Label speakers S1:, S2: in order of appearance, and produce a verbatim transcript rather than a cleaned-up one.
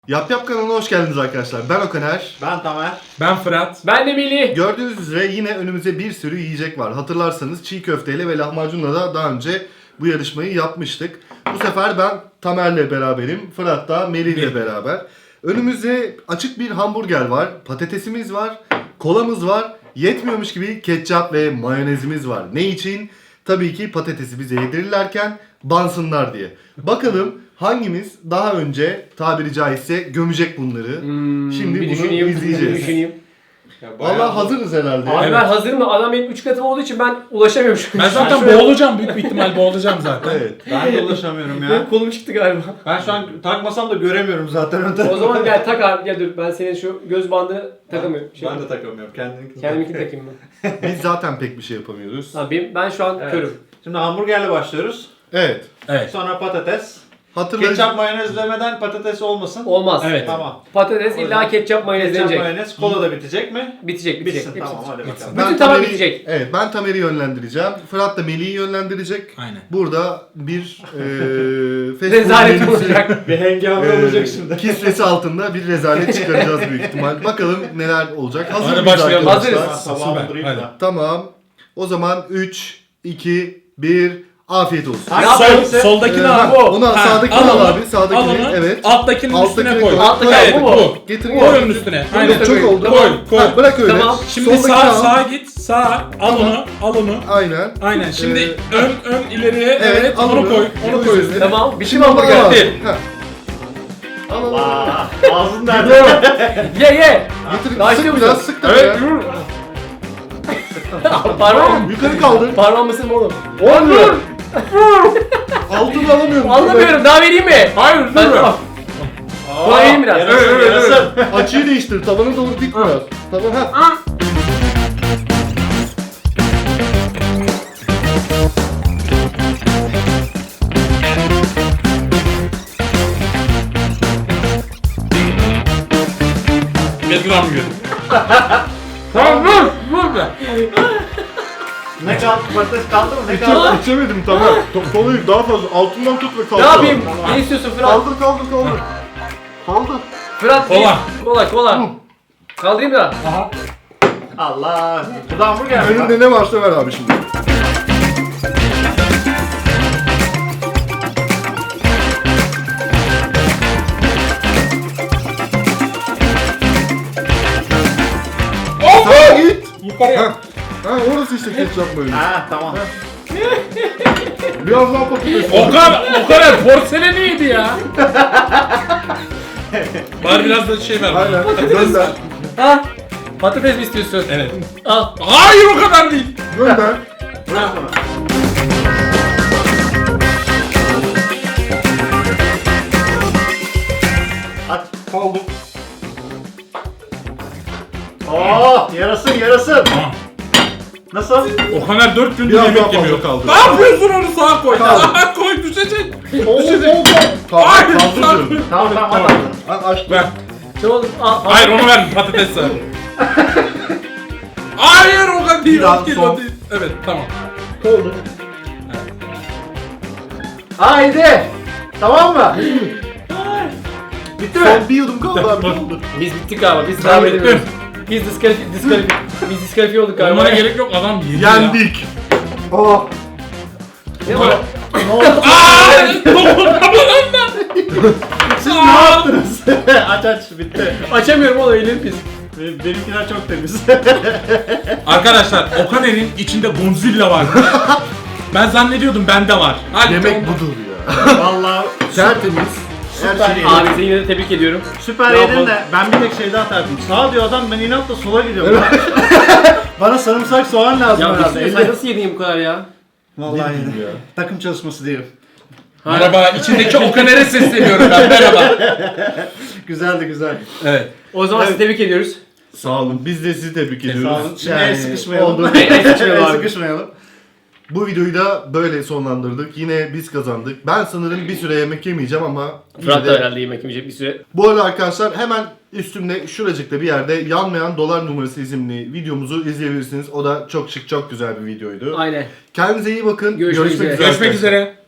S1: Yap Yap kanalına hoş geldiniz arkadaşlar. Ben Okaner.
S2: Ben Tamer.
S3: Ben Fırat.
S4: Ben de Melih.
S1: Gördüğünüz üzere yine önümüzde bir sürü yiyecek var. Hatırlarsanız çiğ köfteyle ve lahmacunla da daha önce bu yarışmayı yapmıştık. Bu sefer ben Tamer'le beraberim. Fırat da Melih'le beraber. Önümüzde açık bir hamburger var. Patatesimiz var. Kolamız var. Yetmiyormuş gibi ketçap ve mayonezimiz var. Ne için? Tabii ki patatesi bize yedirirlerken bansınlar diye. Bakalım hangimiz daha önce tabiri caizse gömecek bunları.
S4: Hmm,
S1: Şimdi
S4: bir
S1: bunu
S4: düşüneyim,
S1: izleyeceğiz.
S4: Bir düşüneyim.
S1: Valla hazırız herhalde.
S4: Abi
S3: Evet.
S4: ben hazırım da adam benim üç katım olduğu için ben ulaşamıyorum şu an.
S3: Ben zaten
S4: Şöyle-
S3: boğulacağım. Büyük bir ihtimal boğulacağım zaten.
S1: Evet.
S2: Ben de ulaşamıyorum
S4: Benim
S2: ya.
S4: kolum çıktı galiba.
S2: Ben şu an takmasam da göremiyorum zaten önden.
S4: O zaman gel tak abi, gel dur ben senin şu göz bandını takamıyorum. Şey,
S2: Ben de takamıyorum. Kendininkini
S4: Kendiminkini takayım ben.
S1: Biz zaten pek bir şey yapamıyoruz.
S4: Tamam, benim, ben şu an
S2: Evet.
S4: körüm.
S2: Şimdi hamburgerle başlıyoruz.
S1: Evet.
S3: Evet.
S2: Sonra patates.
S1: Hatırlayın.
S2: Ketçap mayonez demeden patates olmasın.
S4: Olmaz.
S3: Evet.
S2: Tamam.
S4: Patates
S2: O
S4: illa
S2: yüzden
S4: ketçap mayonez
S2: Ketçap
S4: denecek.
S2: mayonez. Kola da bitecek mi?
S4: Bitecek, bitecek.
S2: Bitsin.
S4: Hepsi
S2: Tamam hadi
S4: bitecek.
S2: bakalım.
S4: Bütün tabak
S1: Tamer'i-
S4: bitecek.
S1: Evet, ben Tamer'i yönlendireceğim. Fırat da Melih'i yönlendirecek.
S3: Aynen.
S1: Burada bir eee fast food
S4: Rezalet
S1: menüsü,
S4: olacak.
S2: Bir hengame
S1: eee,
S2: olacak şimdi.
S1: kisvesi altında bir rezalet çıkaracağız büyük ihtimal. Bakalım neler olacak. Hazır
S3: Hadi
S1: mıyız
S3: başlayalım.
S1: arkadaşlar?
S4: Hazırız.
S2: Sabahımı
S3: Süper,
S2: durayım
S3: hadi.
S2: da.
S1: Tamam. O zaman üç, iki, bir, afiyet olsun.
S2: Hangi
S4: Ne
S3: Sol,
S2: hangisi?
S3: soldakini
S1: Ee,
S3: al.
S1: ha, onu al,
S3: Ha,
S1: sağdakini
S3: al
S1: al
S3: onu,
S1: abi, sağdakini,
S3: al onu,
S1: evet.
S3: Alttakinin
S1: Alttakini
S3: üstüne koy.
S1: koy.
S4: Alttaki
S3: Evet,
S4: al, bu mu?
S3: bu.
S1: Getir
S3: Koy
S1: gel.
S3: onun üstüne.
S1: Aynen,
S3: Aynen.
S1: çok oldu.
S3: Koy, koy.
S1: Ha, bırak öyle.
S4: Tamam.
S3: Şimdi
S1: Soldakini
S3: sağ,
S1: al.
S3: sağa git. Sağ. Al onu. Al onu.
S1: Aynen.
S3: Aynen. Şimdi
S1: Ee,
S3: ön ön ileriye.
S1: Evet,
S3: Evet.
S1: al
S3: onu
S1: onu.
S3: koy. Onu koy üstüne.
S4: Tamam, bitti mi
S1: Şimdi hamburger.
S4: hamburger?
S1: Ha. Al al al.
S2: Aa, ağzın nerede?
S4: Ye ye.
S1: Getir,
S4: Daha
S1: sık
S4: şey
S1: biraz,
S4: yapacağız.
S1: sık da
S4: Evet.
S1: ya.
S4: Parmağım.
S1: Yukarı kaldır.
S4: Parmağım mısın mı oğlum?
S1: Olmuyor. Altını alamıyorum.
S4: Anlamıyorum. Daha vereyim mi?
S3: Hayır.
S4: Ben
S3: dur.
S4: tamam. Kolay yiyeyim biraz.
S2: Yarasın
S3: Evet, evet,
S2: yarasın.
S1: Açıyı değiştir. Tavanı doğru dik biraz. Tamam ha.
S3: Getir hamburgeri. Tamam dur. Dur be.
S2: Ne kaldı? Patates kaldı mı? Ne kaldı?
S1: İçe, içemedim tamam. To- Kolayı daha fazla. Altından tut ve kaldır.
S4: Ne yapayım?
S2: Tamam.
S4: Ne istiyorsun Fırat?
S1: Kaldır kaldır kaldır. Kaldır.
S4: Fırat
S3: Kola.
S4: bir- Kola kola. Kaldırayım da.
S3: Aha.
S2: Allah. Bu da hamburger mi?
S1: Önünde ne varsa ver abi şimdi. Sağa git.
S3: Yukarıya.
S1: Ha. Ha orası işte ketçap böyle.
S2: Ha tamam.
S1: Biraz daha patates.
S3: O kadar, o kadar porseleni yedi ya. Bari biraz da şey ver.
S1: Aynen. Gönder.
S4: Ha? Patates mi istiyorsun?
S3: Evet.
S4: Al.
S3: Hayır o kadar değil.
S1: Gönder.
S2: Bırak onu. Aç.
S1: Kaldır.
S2: Oo, yarasın yarasın.
S3: Tamam.
S2: Nasıl?
S3: O kadar dört gündür
S1: Biraz daha
S3: yemek
S1: fazla
S3: yemiyor.
S1: kaldı.
S3: Ne yapıyorsun onu sağa koy.
S1: Kaldı.
S3: Sağa koy düşecek.
S1: Oo,
S3: Düşecek.
S1: oo, kaldır.
S3: Hayır.
S1: Kaldır diyorum.
S2: Tamam tamam
S3: Tamam.
S2: hadi.
S1: Ha, açtım.
S3: Ver.
S4: Tamam. Al. al.
S3: Hayır onu ver patates ver. Hayır o kadar değil.
S1: Biraz
S3: o değil,
S1: son.
S3: o değil. Evet tamam.
S1: Kaldır.
S2: Haydi. Tamam mı? Bitti mi?
S1: Son bir yudum kaldı abi. Kaldır.
S4: Biz bittik galiba. Biz
S3: Ben
S4: devam
S3: bittim.
S4: edemiyoruz. Biz diskalifiye diskalifiye biz diskalifiye olduk galiba.
S3: Olmana gerek yok adam yedi ya.
S1: Yendik.
S2: Oh.
S4: Ne var?
S2: Ne oldu?
S3: Aaa! Dokunma bana.
S2: Siz ne yaptınız? aç aç bitti.
S4: Açamıyorum oğlum elim pis.
S2: Benim, benimkiler çok temiz.
S3: Arkadaşlar Okaner'in içinde Godzilla var. Ben zannediyordum bende var. Hadi
S1: Yemek
S3: tamam.
S1: budur ya.
S2: Vallahi
S1: Tertemiz.
S2: süper yedin.
S4: Abi seni yine de tebrik ediyorum.
S2: Süper
S4: Ne
S2: yedin
S4: yapalım?
S2: de ben bir tek şey daha tartayım. Sağ diyor adam ben inatla sola gidiyorum. Bana sarımsak soğan lazım
S4: Ya
S2: herhalde.
S4: Mesut, sen nasıl yedin bu kadar ya?
S2: Vallahi
S1: Ne
S2: yedim.
S1: ya?
S2: Takım çalışması diyelim.
S3: Merhaba içindeki Okaner'e sesleniyorum ben merhaba.
S2: Güzeldi güzel.
S3: Evet.
S4: O zaman
S2: Evet.
S4: sizi tebrik ediyoruz.
S1: Sağ olun. Biz de sizi tebrik ediyoruz.
S2: Sağ olun. Şimdi el sıkışmayalım.
S1: oldu.
S4: El sıkışmayalım
S2: El
S4: abi.
S2: sıkışmayalım.
S1: Bu videoyu da böyle sonlandırdık. Yine biz kazandık. Ben sanırım bir süre yemek yemeyeceğim ama yine
S4: Fırat
S1: de-
S4: da herhalde yemek yemeyecek bir süre.
S1: Bu arada arkadaşlar hemen üstümde şuracıkta bir yerde Yanmayan Dolar Numarası isimli videomuzu izleyebilirsiniz. O da çok şık, çok güzel bir videoydu.
S4: Aynen.
S1: Kendinize iyi bakın.
S4: Görüşmek üzere.
S3: Görüşmek üzere.